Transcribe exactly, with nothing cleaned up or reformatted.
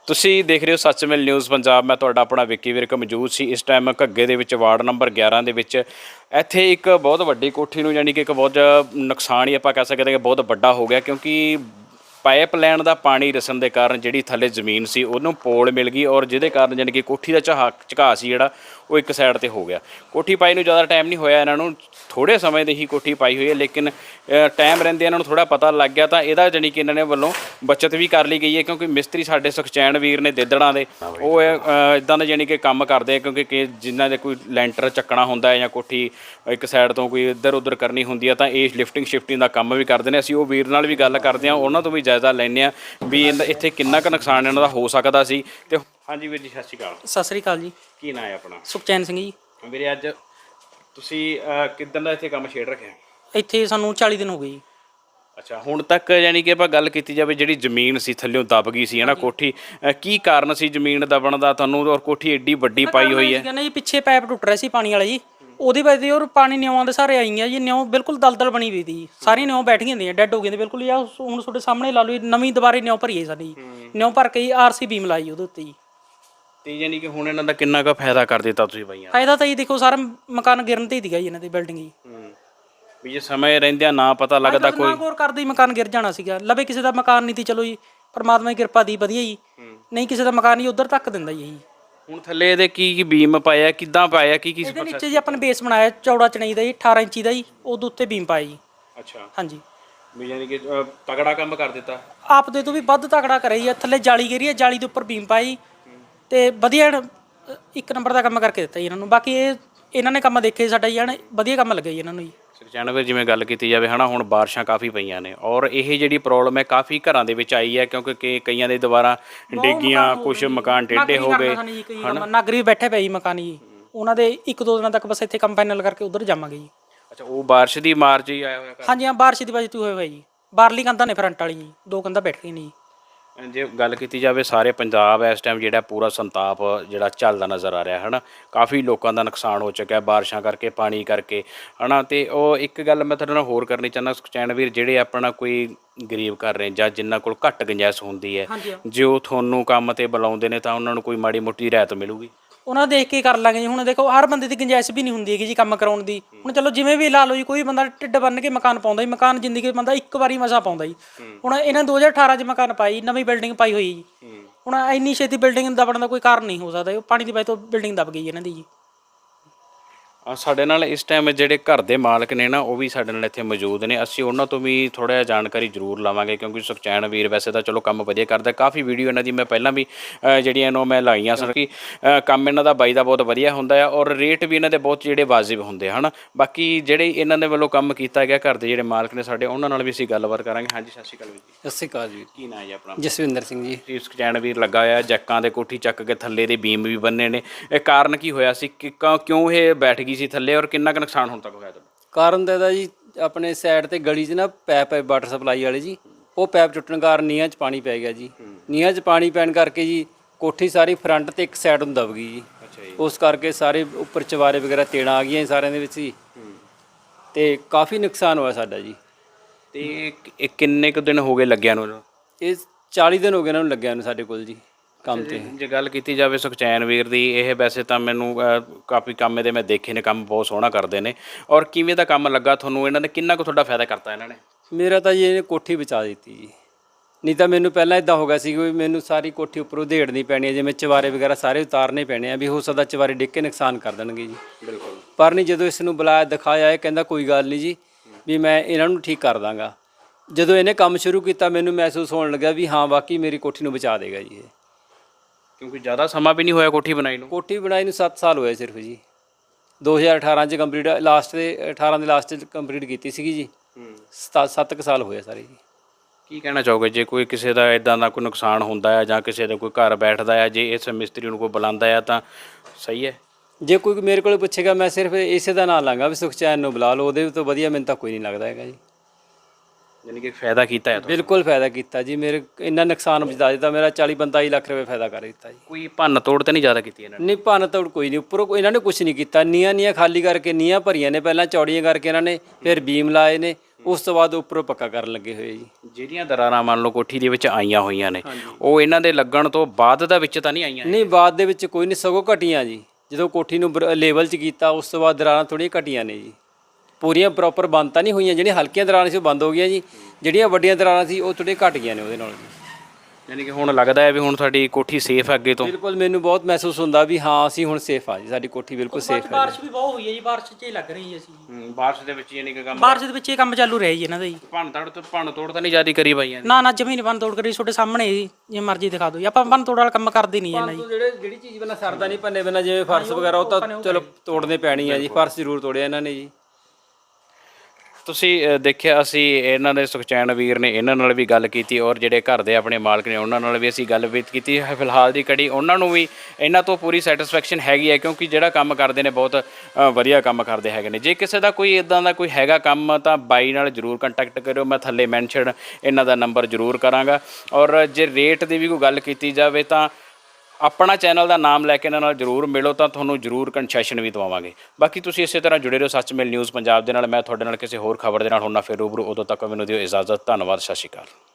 ਤੁਸੀਂ ਦੇਖ ਰਹੇ ਹੋ ਸੱਚ ਮੇਲ ਨਿਊਜ਼ ਪੰਜਾਬ। ਮੈਂ ਤੁਹਾਡਾ ਆਪਣਾ ਵਿੱਕੀ ਵਿਰਕ ਮੌਜੂਦ ਸੀ ਇਸ ਟਾਈਮ ਘੱਗੇ ਦੇ ਵਿੱਚ ਵਾਰਡ ਨੰਬਰ ਗਿਆਰਾਂ ਦੇ ਵਿੱਚ। ਇੱਥੇ ਇੱਕ ਬਹੁਤ ਵੱਡੀ ਕੋਠੀ ਨੂੰ ਯਾਨੀ ਕਿ ਇੱਕ ਬਹੁਤ ਨੁਕਸਾਨ ਹੀ ਆਪਾਂ ਕਹਿ ਸਕਦੇ ਹਾਂ ਕਿ ਬਹੁਤ ਵੱਡਾ ਹੋ ਗਿਆ, ਕਿਉਂਕਿ ਪਾਈਪ ਲਾਈਨ ਦਾ ਪਾਣੀ ਰਿਸਣ ਦੇ ਕਾਰਨ ਜਿਹੜੀ ਥੱਲੇ ਜ਼ਮੀਨ ਸੀ ਉਹਨੂੰ ਪੋਲ ਮਿਲ ਗਈ, ਔਰ ਜਿਹਦੇ ਕਾਰਨ ਯਾਨੀ ਕਿ ਕੋਠੀ ਦਾ ਝਾਹ ਝੁਕਾਅ ਸੀ ਜਿਹੜਾ ਉਹ ਇੱਕ ਸਾਈਡ 'ਤੇ ਹੋ ਗਿਆ। ਕੋਠੀ ਪਾਈ ਨੂੰ ਜ਼ਿਆਦਾ ਟਾਈਮ ਨਹੀਂ ਹੋਇਆ, ਇਹਨਾਂ ਨੂੰ ਥੋੜ੍ਹੇ ਸਮੇਂ ਦੀ ਹੀ ਕੋਠੀ ਪਾਈ ਹੋਈ ਹੈ, ਲੇਕਿਨ ਟਾਈਮ ਰਹਿੰਦੇ ਇਹਨਾਂ ਨੂੰ ਥੋੜ੍ਹਾ ਪਤਾ ਲੱਗ ਗਿਆ ਤਾਂ ਇਹਦਾ ਜਾਣੀ ਕਿ ਇਹਨਾਂ ਨੇ ਵੱਲੋਂ ਬੱਚਤ ਵੀ ਕਰ ਲਈ ਗਈ ਹੈ, ਕਿਉਂਕਿ ਮਿਸਤਰੀ ਸਾਡੇ ਸੁਖਚੈਨ ਵੀਰ ਨੇ ਦੇਦੜਾਂ ਦੇ ਉਹ ਇੱਦਾਂ ਦੇ ਜਾਣੀ ਕਿ ਕੰਮ ਕਰਦੇ ਆ, ਕਿਉਂਕਿ ਕਿ ਜਿਨ੍ਹਾਂ ਦੇ ਕੋਈ ਲੈਂਟਰ ਚੱਕਣਾ ਹੁੰਦਾ ਹੈ ਜਾਂ ਕੋਠੀ ਇੱਕ ਸਾਈਡ ਤੋਂ ਕੋਈ ਇੱਧਰ ਉੱਧਰ ਕਰਨੀ ਹੁੰਦੀ ਹੈ ਤਾਂ ਇਹ ਲਿਫਟਿੰਗ ਸ਼ਿਫਟਿੰਗ ਦਾ ਕੰਮ ਵੀ ਕਰਦੇ ਨੇ। ਅਸੀਂ ਉਹ ਵੀਰ ਨਾਲ ਵੀ ਗੱਲ ਕਰਦੇ ਹਾਂ, ਉਹਨਾਂ ਤੋਂ ਵੀ ਜਾਇਜ਼ਾ ਲੈਂਦੇ ਹਾਂ ਵੀ ਇੱਥੇ ਕਿੰਨਾ ਕੁ ਨੁਕਸਾਨ ਇਹਨਾਂ ਦਾ ਹੋ ਸਕਦਾ ਸੀ। ਤੇ ਹਾਂਜੀ ਵੀਰ ਜੀ, ਸਤਿ ਸ਼੍ਰੀ ਅਕਾਲ। ਸਤਿ ਸ਼੍ਰੀ ਅਕਾਲ ਜੀ। ਕੀ ਨਾਂ ਹੈ ਆਪਣਾ? ਸੁਖਚੈਨ ਸਿੰਘ ਜੀ। ਵੀਰੇ ਅੱਜ ਤੁਸੀਂ ਕਿੱਦਣ ਦਾ ਇੱਥੇ ਕੰਮ ਛੇੜ ਰੱਖਿਆ? ਇੱਥੇ ਸਾਨੂੰ ਚਾਲੀ ਦਿਨ ਹੋ ਗਏ ਜੀ। ਅੱਛਾ, ਹੁਣ ਤੱਕ ਯਾਨੀ ਕਿ ਆਪਾਂ ਗੱਲ ਕੀਤੀ ਜਾਵੇ ਜਿਹੜੀ ਜ਼ਮੀਨ ਸੀ ਥੱਲਿਓਂ ਦਬ ਗਈ ਸੀ ਹੈ ਨਾ ਕੋਠੀ, ਕੀ ਕਾਰਨ ਸੀ ਜ਼ਮੀਨ ਦਬਣ ਦਾ ਤੁਹਾਨੂੰ? ਔਰ ਕੋਠੀ ਐਡੀ ਵੱਡੀ ਪਾਈ ਹੋਈ ਹੈ। ਕਹਿੰਦਾ ਜੀ ਪਿੱਛੇ ਪਾਈਪ ਟੁੱਟ ਰਿਹਾ ਸੀ ਪਾਣੀ ਵਾਲਾ ਜੀ, ਉਹਦੀ ਵਜ੍ਹਾ ਤੇ ਔਰ ਪਾਣੀ ਨਿਉਆਂ ਦੇ ਸਾਰੇ ਆਈਆਂ ਜੀ। ਨਿਉ ਬਿਲਕੁਲ ਦਲਦਲ ਬਣੀ ਹੋਈ ਸੀ, ਸਾਰੀਆਂ ਨਿਉ ਬੈਠ ਗਈਆਂ ਡੈੱਡ ਹੋ ਗਈਆਂ ਬਿਲਕੁਲ। ਜਾਂ ਹੁਣ ਤੁਹਾਡੇ ਸਾਹਮਣੇ ਲਾ ਲਓ, ਨਵੀਂ ਦੁਬਾਰੇ ਨਿਉ ਭਰੀ ਹੈ ਸਾਡੀ, ਨਿਉ ਭਰ ਕੇ ਆਰ ਸੀ ਬੀਮ ਲਾਈ ਉਹਦੇ ਉੱਤੇ ਜੀ। ਤੇ ਯਾਨੀ ਕਿ ਹੁਣ ਇਹਨਾਂ ਦਾ ਕਿੰਨਾ ਕੁ ਫਾਇਦਾ ਕਰ ਦਿੱਤਾ ਤੁਸੀਂ ਬਾਈਆਂ? ਫਾਇਦਾ ਤਾਂ ਜੀ ਦੇਖੋ ਸਾਰਾ ਮਕਾਨ ਗਿਰਨ ਤੇ ਹੀ ਦਿਗਾ ਜੀ ਇਹਨਾਂ ਦੀ ਬਿਲਡਿੰਗ ਜੀ। ਵੀ ਜੇ ਸਮੇਂ ਰਹਿੰਦਿਆਂ ਨਾ ਪਤਾ ਲੱਗਦਾ ਕੋਈ ਗੌਰ ਕਰਦੇ ਹੀ ਮਕਾਨ ਗਿਰ ਜਾਣਾ ਸੀਗਾ। ਲਵੇ ਕਿਸੇ ਦਾ ਮਕਾਨ ਨਹੀਂ ਤੀ, ਚਲੋ ਜੀ ਪਰਮਾਤਮਾ ਦੀ ਕਿਰਪਾ ਦੀ ਵਧੀਆ ਜੀ, ਨਹੀਂ ਕਿਸੇ ਦਾ ਮਕਾਨ ਹੀ ਉਧਰ ਤੱਕ ਦਿੰਦਾ ਜੀ। ਹੁਣ ਥੱਲੇ ਇਹਦੇ ਕੀ ਕੀ ਬੀਮ ਪਾਇਆ, ਕਿੱਦਾਂ ਪਾਇਆ, ਕੀ ਕੀ ਇਹਦੇ ਨੀਚੇ ਜੀ ਆਪਾਂ ਨੇ ਬੇਸ ਬਣਾਇਆ ਚੌੜਾ ਚਣਾਈ ਦਾ ਜੀ, ਅਠਾਰਾਂ ਇੰਚੀ ਦਾ ਜੀ, ਉਹਦੇ ਉੱਤੇ ਬੀਮ ਪਾਇਆ ਜੀ। ਅੱਛਾ, ਹਾਂਜੀ। ਵੀ ਯਾਨੀ ਕਿ ਤਗੜਾ ਕੰਮ ਕਰ ਦਿੱਤਾ। ਆਪ ਦੇ ਤੋਂ ਵੀ ਵੱਧ ਤਗੜਾ ਕਰਿਆ ਜੀ। ਥੱਲੇ ਜਾਲੀ ਗਰੀ ਹੈ, ਜਾਲੀ ਦੇ ਉੱਪਰ ਬੀਮ ਪਾਈ ਤੇ ਵਧੀਆ ਇੱਕ ਨੰਬਰ ਦਾ ਕੰਮ ਕਰਕੇ ਦਿੱਤਾ ਜੀ ਇਹਨਾਂ ਨੂੰ। ਬਾਕੀ ਇਹ ਇਹਨਾਂ ਨੇ ਕੰਮ ਦੇਖੇ ਸਾਡਾ ਜੀ, ਵਧੀਆ ਕੰਮ ਲੱਗਿਆ ਜੀ ਇਹਨਾਂ ਨੂੰ ਜੀ। ਸੁਖਚੈਨ ਵੀਰ, ਜਿਵੇਂ ਗੱਲ ਕੀਤੀ ਜਾਵੇ ਹੈ ਨਾ, ਹੁਣ ਬਾਰਿਸ਼ਾਂ ਕਾਫੀ ਪਈਆਂ ਨੇ ਔਰ ਇਹ ਜਿਹੜੀ ਪ੍ਰੋਬਲਮ ਹੈ ਕਾਫੀ ਘਰਾਂ ਦੇ ਵਿੱਚ ਆਈ ਹੈ, ਕਿਉਂਕਿ ਕਿ ਕਈਆਂ ਦੇ ਦੁਬਾਰਾ ਡਿੱਗੀਆਂ, ਕੁਛ ਮਕਾਨ ਟੇਢੇ ਹੋ ਗਏ। ਨਾਗਰੀ ਬੈਠੇ ਪਏ ਜੀ ਮਕਾਨ ਜੀ, ਉਹਨਾਂ ਦੇ ਇੱਕ ਦੋ ਦਿਨਾਂ ਤੱਕ ਬਸ ਇੱਥੇ ਕੰਮ ਫਾਈਨਲ ਕਰਕੇ ਉਧਰ ਜਾਵਾਂਗੇ ਜੀ। ਅੱਛਾ, ਉਹ ਬਾਰਿਸ਼ ਦੀ ਮਾਰ 'ਚ ਹੀ ਆਇਆ ਹੋਇਆ? ਹਾਂਜੀ ਹਾਂ, ਬਾਰਿਸ਼ ਦੀ ਵਜ੍ਹਾ ਤੋਂ ਹੋਇਆ ਹੋਇਆ ਜੀ। ਬਾਹਰਲੀ ਕੰਧਾਂ ਨੇ ਫਰੰਟ ਵਾਲੀ ਜੀ, ਦੋ ਕੰਧਾਂ ਬੈਠ ਗਈਆਂ ਨੇ ਜੀ। ਜੇ ਗੱਲ ਕੀਤੀ ਜਾਵੇ ਸਾਰੇ ਪੰਜਾਬ ਇਸ ਟਾਈਮ ਜਿਹੜਾ ਪੂਰਾ ਸੰਤਾਪ ਜਿਹੜਾ ਚੱਲਦਾ ਨਜ਼ਰ ਆ ਰਿਹਾ ਹੈ ਨਾ, ਕਾਫੀ ਲੋਕਾਂ ਦਾ ਨੁਕਸਾਨ ਹੋ ਚੁੱਕਿਆ ਬਾਰਿਸ਼ਾਂ ਕਰਕੇ, ਪਾਣੀ ਕਰਕੇ ਹੈ ਨਾ। ਅਤੇ ਉਹ ਇੱਕ ਗੱਲ ਮੈਂ ਤੁਹਾਡੇ ਨਾਲ ਹੋਰ ਕਰਨੀ ਚਾਹੁੰਦਾ ਸੁਖਚੈਨ ਵੀਰ, ਜਿਹੜੇ ਆਪਣਾ ਕੋਈ ਗਰੀਬ ਘਰ ਨੇ ਜਾਂ ਜਿਨ੍ਹਾਂ ਕੋਲ ਘੱਟ ਗੁੰਜਾਇਸ਼ ਹੁੰਦੀ ਹੈ, ਜੇ ਉਹ ਤੁਹਾਨੂੰ ਕੰਮ 'ਤੇ ਬੁਲਾਉਂਦੇ ਨੇ ਤਾਂ ਉਹਨਾਂ ਨੂੰ ਕੋਈ ਮਾੜੀ ਮੋਟੀ ਰਿਆਇਤ ਮਿਲੂਗੀ? ਉਹਨਾਂ ਦੇਖ ਕੇ ਕਰ ਲਾਂਗੇ ਜੀ। ਹੁਣ ਦੇਖੋ ਹਰ ਬੰਦੇ ਦੀ ਗੁੰਜਾਇਸ਼ ਵੀ ਨਹੀਂ ਹੁੰਦੀ ਹੈਗੀ ਜੀ ਕੰਮ ਕਰਾਉਣ ਦੀ। ਹੁਣ ਚਲੋ ਜਿਵੇਂ ਵੀ ਲਾ ਲਓ ਜੀ, ਕੋਈ ਬੰਦਾ ਢਿੱਡ ਬੰਨ੍ਹ ਕੇ ਮਕਾਨ ਪਾਉਂਦਾ ਜੀ, ਮਕਾਨ ਜ਼ਿੰਦਗੀ ਬੰਦਾ ਇੱਕ ਵਾਰੀ ਮਸਾ ਪਾਉਂਦਾ ਜੀ। ਹੁਣ ਇਹਨਾਂ ਦੋ ਹਜ਼ਾਰ ਅਠਾਰਾਂ 'ਚ ਮਕਾਨ ਪਾਈ, ਨਵੀਂ ਬਿਲਡਿੰਗ ਪਾਈ ਹੋਈ ਜੀ। ਹੁਣ ਇੰਨੀ ਛੇਤੀ ਬਿਲਡਿੰਗ ਦਬਣ ਦਾ ਕੋਈ ਕਾਰਨ ਨਹੀਂ ਹੋ ਸਕਦਾ, ਪਾਣੀ ਦੀ ਵਜ੍ਹਾ ਤੋਂ ਬਿਲਡਿੰਗ ਦਬ ਗਈ ਇਹਨਾਂ ਦੀ ਜੀ। ਸਾਡੇ ਨਾਲ ਇਸ ਟਾਈਮ ਜਿਹੜੇ ਘਰ ਦੇ ਮਾਲਕ ਨੇ ਨਾ, ਉਹ ਵੀ ਸਾਡੇ ਨਾਲ ਇੱਥੇ ਮੌਜੂਦ ਨੇ। ਅਸੀਂ ਉਹਨਾਂ ਤੋਂ ਵੀ ਥੋੜ੍ਹਾ ਜਿਹਾ ਜਾਣਕਾਰੀ ਜ਼ਰੂਰ ਲਵਾਂਗੇ, ਕਿਉਂਕਿ ਸੁਖਚੈਨ ਵੀਰ ਵੈਸੇ ਤਾਂ ਚਲੋ ਕੰਮ ਵਧੀਆ ਕਰਦਾ। ਕਾਫੀ ਵੀਡੀਓ ਇਹਨਾਂ ਦੀ ਮੈਂ ਪਹਿਲਾਂ ਵੀ ਜਿਹੜੀਆਂ ਇਹਨੂੰ ਮੈਂ ਲਾਈਆਂ ਸਨ ਕਿ ਕੰਮ ਇਹਨਾਂ ਦਾ ਬਾਈ ਦਾ ਬਹੁਤ ਵਧੀਆ ਹੁੰਦਾ ਆ, ਔਰ ਰੇਟ ਵੀ ਇਹਨਾਂ ਦੇ ਬਹੁਤ ਜਿਹੜੇ ਵਾਜਿਬ ਹੁੰਦੇ ਹਨ। ਬਾਕੀ ਜਿਹੜੇ ਇਹਨਾਂ ਦੇ ਵੱਲੋਂ ਕੰਮ ਕੀਤਾ ਗਿਆ ਘਰ ਦੇ ਜਿਹੜੇ ਮਾਲਕ ਨੇ ਸਾਡੇ, ਉਹਨਾਂ ਨਾਲ ਵੀ ਅਸੀਂ ਗੱਲਬਾਤ ਕਰਾਂਗੇ। ਹਾਂਜੀ, ਸਤਿ ਸ਼੍ਰੀ ਅਕਾਲ ਵੀਰ ਜੀ। ਸਤਿ ਸ਼੍ਰੀ ਅਕਾਲ ਜੀ। ਕੀ ਨਾਂ ਜੀ ਆਪਣਾ? ਜਸਵਿੰਦਰ ਸਿੰਘ ਜੀ। ਜੀ, ਸੁਖਚੈਨ ਵੀਰ ਲੱਗਾ ਹੋਇਆ ਜੱਕਾਂ ਦੇ ਕੋਠੀ ਚੱਕ ਕੇ ਥੱਲੇ ਦੇ ਬੀਮ ਵੀ ਬੰਨੇ ਨੇ, ਇਹ ਕਾਰਨ ਕੀ ਹੋਇਆ ਸੀ? ਕਿ ਕਿਉਂ ਇਹ ਬੈਠ ਗਈ ਸੀ ਥੱਲੇ, ਔਰ ਕਿੰਨਾ ਕੁ ਨੁਕਸਾਨ ਹੁਣ ਤੱਕ ਹੋਇਆ ਤੁਹਾਡਾ? ਕਾਰਨ ਤਾਂ ਇਹਦਾ ਜੀ ਆਪਣੇ ਸਾਈਡ 'ਤੇ ਗਲੀ 'ਚ ਨਾ ਪੈਪ ਹੈ ਵਾਟਰ ਸਪਲਾਈ ਵਾਲੇ ਜੀ, ਉਹ ਪੈਪ ਟੁੱਟਣ ਕਾਰਨ ਨੀਹਾਂ 'ਚ ਪਾਣੀ ਪੈ ਗਿਆ ਜੀ। ਨੀਹਾਂ 'ਚ ਪਾਣੀ ਪੈਣ ਕਰਕੇ ਜੀ ਕੋਠੀ ਸਾਰੀ ਫਰੰਟ ਤੇ ਇੱਕ ਸਾਈਡ ਨੂੰ ਦਬ ਗਈ ਜੀ। ਉਸ ਕਰਕੇ ਸਾਰੇ ਉੱਪਰ ਚਵਾਰੇ ਵਗੈਰਾ ਤੇੜਾਂ ਆ ਗਈਆਂ ਸਾਰਿਆਂ ਦੇ ਵਿੱਚ ਜੀ, ਅਤੇ ਕਾਫੀ ਨੁਕਸਾਨ ਹੋਇਆ ਸਾਡਾ ਜੀ। ਅਤੇ ਇਹ ਕਿੰਨੇ ਕੁ ਦਿਨ ਹੋ ਗਏ ਲੱਗਿਆ ਨੂੰ? ਇਹ ਚਾਲੀ ਦਿਨ ਹੋ ਗਏ ਇਹਨਾਂ ਨੂੰ ਲੱਗਿਆ ਨੂੰ ਸਾਡੇ ਕੋਲ ਜੀ ਕੰਮ 'ਤੇ। ਜੇ ਗੱਲ ਕੀਤੀ ਜਾਵੇ ਸੁਖਚੈਨ ਵੀਰ ਦੀ, ਇਹ ਵੈਸੇ ਤਾਂ ਮੈਨੂੰ ਕਾਫੀ ਕੰਮ ਇਹਦੇ ਮੈਂ ਦੇਖੇ ਨੇ, ਕੰਮ ਬਹੁਤ ਸੋਹਣਾ ਕਰਦੇ ਨੇ। ਔਰ ਕਿਵੇਂ ਦਾ ਕੰਮ ਲੱਗਾ ਤੁਹਾਨੂੰ ਇਹਨਾਂ ਨੇ? ਕਿੰਨਾ ਕੁ ਤੁਹਾਡਾ ਫਾਇਦਾ ਕਰਤਾ ਇਹਨਾਂ ਨੇ? ਮੇਰਾ ਤਾਂ ਜੀ ਇਹਨੇ ਕੋਠੀ ਬਚਾ ਦਿੱਤੀ ਜੀ, ਨਹੀਂ ਤਾਂ ਮੈਨੂੰ ਪਹਿਲਾਂ ਇੱਦਾਂ ਹੋ ਗਿਆ ਸੀ ਕਿ ਮੈਨੂੰ ਸਾਰੀ ਕੋਠੀ ਉੱਪਰੋਂ ਉਧੇੜਨੀ ਪੈਣੀ ਹੈ, ਜਿਵੇਂ ਚਵਾਰੇ ਵਗੈਰਾ ਸਾਰੇ ਉਤਾਰਨੇ ਪੈਣੇ ਆ, ਵੀ ਹੋ ਸਕਦਾ ਚਵਾਰੇ ਡਿੱਗ ਕੇ ਨੁਕਸਾਨ ਕਰ ਦੇਣਗੇ ਜੀ। ਬਿਲਕੁਲ। ਪਰ ਨਹੀਂ, ਜਦੋਂ ਇਸ ਨੂੰ ਬੁਲਾਇਆ, ਦਿਖਾਇਆ, ਇਹ ਕਹਿੰਦਾ ਕੋਈ ਗੱਲ ਨਹੀਂ ਜੀ, ਵੀ ਮੈਂ ਇਹਨਾਂ ਨੂੰ ਠੀਕ ਕਰ ਦਾਂਗਾ। ਜਦੋਂ ਇਹਨੇ ਕੰਮ ਸ਼ੁਰੂ ਕੀਤਾ ਮੈਨੂੰ ਮਹਿਸੂਸ ਹੋਣ ਲੱਗਾ ਵੀ ਹਾਂ ਵਾਕਈ ਮੇਰੀ ਕੋਠੀ ਨੂੰ ਬਚਾ ਦੇਗਾ ਜੀ ਇਹ, ਕਿਉਂਕਿ ਜ਼ਿਆਦਾ ਸਮਾਂ ਵੀ ਨਹੀਂ ਹੋਇਆ ਕੋਠੀ ਬਣਾਈ ਨੂੰ। ਕੋਠੀ ਬਣਾਈ ਨੂੰ ਸੱਤ ਸਾਲ ਹੋਏ ਸਿਰਫ ਜੀ। ਦੋ ਹਜ਼ਾਰ ਅਠਾਰਾਂ 'ਚ ਕੰਪਲੀਟ, ਲਾਸਟ ਦੇ ਅਠਾਰਾਂ ਦੇ ਲਾਸਟ 'ਚ ਕੰਪਲੀਟ ਕੀਤੀ ਸੀਗੀ ਜੀ। ਸੱਤ ਸੱਤ ਕੁ ਸਾਲ ਹੋਏ ਸਾਰੇ ਜੀ। ਕੀ ਕਹਿਣਾ ਚਾਹੋਗੇ ਜੇ ਕੋਈ ਕਿਸੇ ਦਾ ਇੱਦਾਂ ਦਾ ਕੋਈ ਨੁਕਸਾਨ ਹੁੰਦਾ ਹੈ ਜਾਂ ਕਿਸੇ ਦਾ ਕੋਈ ਘਰ ਬੈਠਦਾ ਹੈ, ਜੇ ਇਸ ਮਿਸਤਰੀ ਨੂੰ ਕੋਈ ਬੁਲਾਉਂਦਾ ਹੈ ਤਾਂ ਸਹੀ ਹੈ? ਜੇ ਕੋਈ ਮੇਰੇ ਕੋਲ ਪੁੱਛੇਗਾ ਮੈਂ ਸਿਰਫ ਇਸੇ ਦਾ ਨਾਂ ਲਾਂਗਾ ਵੀ ਸੁਖਚੈਨ ਨੂੰ ਬੁਲਾ ਲਓ, ਉਹਦੇ ਤੋਂ ਵਧੀਆ ਮੈਨੂੰ ਤਾਂ ਕੋਈ ਨਹੀਂ ਲੱਗਦਾ ਹੈਗਾ ਜੀ। ਯਾਨੀ ਕਿ ਫਾਇਦਾ ਕੀਤਾ ਹੈ? ਬਿਲਕੁਲ ਫਾਇਦਾ ਕੀਤਾ ਜੀ। ਮੇਰੇ ਇੰਨਾ ਨੁਕਸਾਨ ਬਚਾ ਦਿੱਤਾ ਮੇਰਾ, ਚਾਲੀ ਪੰਤਾਲੀ ਲੱਖ ਰੁਪਏ ਫਾਇਦਾ ਕਰ ਦਿੱਤਾ ਜੀ। ਕੋਈ ਭੰਨ ਤੋੜ ਤਾਂ ਨਹੀਂ ਜ਼ਿਆਦਾ ਕੀਤੀ ਇਹਨਾਂ ਨੇ? ਨਹੀਂ, ਭੰਨ ਤੋੜ ਕੋਈ ਨਹੀਂ। ਉੱਪਰੋਂ ਇਹਨਾਂ ਨੇ ਕੁਛ ਨਹੀਂ ਕੀਤਾ, ਨੀਆਂ ਨੀਆਂ ਖਾਲੀ ਕਰਕੇ ਨੀਆਂ ਭਰੀਆਂ ਨੇ ਪਹਿਲਾਂ ਚੌੜੀਆਂ ਕਰਕੇ ਇਹਨਾਂ ਨੇ, ਫਿਰ ਬੀਮ ਲਾਏ ਨੇ, ਉਸ ਤੋਂ ਬਾਅਦ ਉੱਪਰੋਂ ਪੱਕਾ ਕਰਨ ਲੱਗੇ ਹੋਏ ਜੀ। ਜਿਹੜੀਆਂ ਦਰਾਰਾਂ ਮੰਨ ਲਓ ਕੋਠੀ ਦੇ ਵਿੱਚ ਆਈਆਂ ਹੋਈਆਂ ਨੇ ਉਹ ਇਹਨਾਂ ਦੇ ਲੱਗਣ ਤੋਂ ਬਾਅਦ ਦਾ ਵਿੱਚ ਤਾਂ ਨਹੀਂ ਆਈਆਂ? ਨਹੀਂ, ਬਾਅਦ ਦੇ ਵਿੱਚ ਕੋਈ ਨਹੀਂ, ਸਗੋਂ ਘਟੀਆਂ ਜੀ। ਜਦੋਂ ਕੋਠੀ ਨੂੰ ਲੈਵਲ 'ਚ ਕੀਤਾ ਉਸ ਤੋਂ ਬਾਅਦ ਦਰਾਰਾਂ ਥੋੜ੍ਹੀਆਂ ਘਟੀਆਂ ਨੇ ਜੀ। ਪੂਰੀਆਂ ਪ੍ਰੋਪਰ ਬੰਦ ਤਾਂ ਨਹੀਂ ਹੋਈਆਂ, ਜਿਹੜੀਆਂ ਹਲਕੀਆਂ ਦਰਾਰਾਂ ਸੀ ਉਹ ਬੰਦ ਹੋ ਗਈਆਂ ਜੀ, ਜਿਹੜੀਆਂ ਵੱਡੀਆਂ ਦਰਾਰਾਂ ਸੀ ਉਹ ਥੋੜ੍ਹੀਆਂ ਘਟ ਗਈਆਂ ਨੇ ਉਹਦੇ ਨਾਲ ਜੀ। ਯਾਨੀ ਕਿ ਹੁਣ ਲੱਗਦਾ ਹੈ ਵੀ ਹੁਣ ਸਾਡੀ ਕੋਠੀ ਸੇਫ ਹੈ ਅੱਗੇ ਤੋਂ? ਬਿਲਕੁਲ, ਮੈਨੂੰ ਬਹੁਤ ਮਹਿਸੂਸ ਹੁੰਦਾ ਵੀ ਹਾਂ ਅਸੀਂ ਹੁਣ ਸੇਫ ਆ ਜੀ, ਸਾਡੀ ਕੋਠੀ ਬਿਲਕੁਲ ਸੇਫ ਹੈ। ਬਾਰਿਸ਼ ਵੀ ਬਹੁਤ ਹੋਈ ਹੈ ਜੀ, ਬਾਰਿਸ਼ 'ਚ ਹੀ ਲੱਗ ਰਹੀ ਹੈ ਅਸੀਂ। ਬਾਰਿਸ਼ ਦੇ ਵਿੱਚ ਯਾਨੀ ਕਿ ਕੰਮ ਬਾਰਿਸ਼ ਦੇ ਵਿੱਚ ਇਹ ਕੰਮ ਚਾਲੂ ਰਿਹਾ ਜੀ ਇਹਨਾਂ ਦਾ ਜੀ। ਭੰਨ ਤੋੜ ਤੋਂ ਭੰਨ ਤੋੜ ਤਾਂ ਨਹੀਂ ਜ਼ਿਆਦਾ ਕਰੀ ਪਾਈਆਂ? ਨਾ ਨਾ ਜਮੀ ਨਹੀਂ ਬੰਨ ਤੋੜ ਕਰੀ, ਤੁਹਾਡੇ ਸਾਹਮਣੇ ਜੀ, ਜੇ ਮਰਜ਼ੀ ਦਿਖਾ ਦਿਓ ਜੀ। ਆਪਾਂ ਬੰਨ ਤੋੜ ਵਾਲਾ ਕੰਮ ਕਰਦੇ ਨਹੀਂ ਇਹਨਾਂ ਜੀ। ਜਿਹੜੇ ਜਿਹੜੀ ਚੀਜ਼ ਬਿਨਾਂ ਸਰਦਾ ਨਹੀਂ, ਪੰਨੇ ਬਿਨਾਂ ਜਿਵੇਂ ਫਰਸ਼ ਵਗੈਰਾ ਉਹ ਤਾਂ ਚਲੋ ਤੋੜਨੇ ਪੈਣੀ ਆ ਜੀ, ਫਰਸ਼ ਜ਼ਰੂਰ ਤੋੜਿਆ ਇਹਨਾਂ ਨੇ ਜੀ। ਤੁਸੀਂ ਦੇਖਿਆ ਅਸੀਂ ਇਹਨਾਂ ਦੇ ਸੁਖਚੈਨ ਵੀਰ ਨੇ ਇਹਨਾਂ ਨਾਲ ਵੀ ਗੱਲ ਕੀਤੀ ਔਰ ਜਿਹੜੇ ਘਰ ਦੇ ਆਪਣੇ ਮਾਲਕ ਨੇ ਉਹਨਾਂ ਨਾਲ ਵੀ ਅਸੀਂ ਗੱਲਬਾਤ ਕੀਤੀ ਹੈ। ਫਿਲਹਾਲ ਦੀ ਕੜੀ ਉਹਨਾਂ ਨੂੰ ਵੀ ਇਹਨਾਂ ਤੋਂ ਪੂਰੀ ਸੈਟੀਸਫੈਕਸ਼ਨ ਹੈਗੀ ਹੈ ਕਿਉਂਕਿ ਜਿਹੜਾ ਕੰਮ ਕਰਦੇ ਨੇ ਬਹੁਤ ਵਧੀਆ ਕੰਮ ਕਰਦੇ ਹੈਗੇ ਨੇ। ਜੇ ਕਿਸੇ ਦਾ ਕੋਈ ਇਦਾਂ ਦਾ ਕੋਈ ਹੈਗਾ ਕੰਮ ਤਾਂ ਬਾਈ ਨਾਲ ਜ਼ਰੂਰ ਕੰਟੈਕਟ ਕਰਿਓ, ਮੈਂ ਥੱਲੇ ਮੈਂਸ਼ਨ ਇਹਨਾਂ ਦਾ ਨੰਬਰ ਜ਼ਰੂਰ ਕਰਾਂਗਾ। ਔਰ ਜੇ ਰੇਟ ਦੀ ਵੀ ਕੋਈ ਗੱਲ ਕੀਤੀ ਜਾਵੇ ਤਾਂ ਆਪਣਾ ਚੈਨਲ ਦਾ ਨਾਮ ਲੈ ਕੇ ਇਹਨਾਂ ਨਾਲ ਜ਼ਰੂਰ ਮਿਲੋ ਤਾਂ ਤੁਹਾਨੂੰ ਜ਼ਰੂਰ ਕੰਸੈਸ਼ਨ ਵੀ ਦਵਾਵਾਂਗੇ। ਬਾਕੀ ਤੁਸੀਂ ਇਸੇ ਤਰ੍ਹਾਂ ਜੁੜੇ ਰਹੋ ਸੱਚ ਮੇਲ ਨਿਊਜ਼ ਪੰਜਾਬ ਦੇ ਨਾਲ। ਮੈਂ ਤੁਹਾਡੇ ਨਾਲ ਕਿਸੇ ਹੋਰ ਖਬਰ ਦੇ ਨਾਲ ਹੁਣ ਨਾ ਫਿਰ ਰੂਬਰੂ, ਉਦੋਂ ਤੱਕ ਮੈਨੂੰ ਦਿਓ ਇਜਾਜ਼ਤ। ਧੰਨਵਾਦ, ਸਤਿ ਸ਼੍ਰੀ ਅਕਾਲ।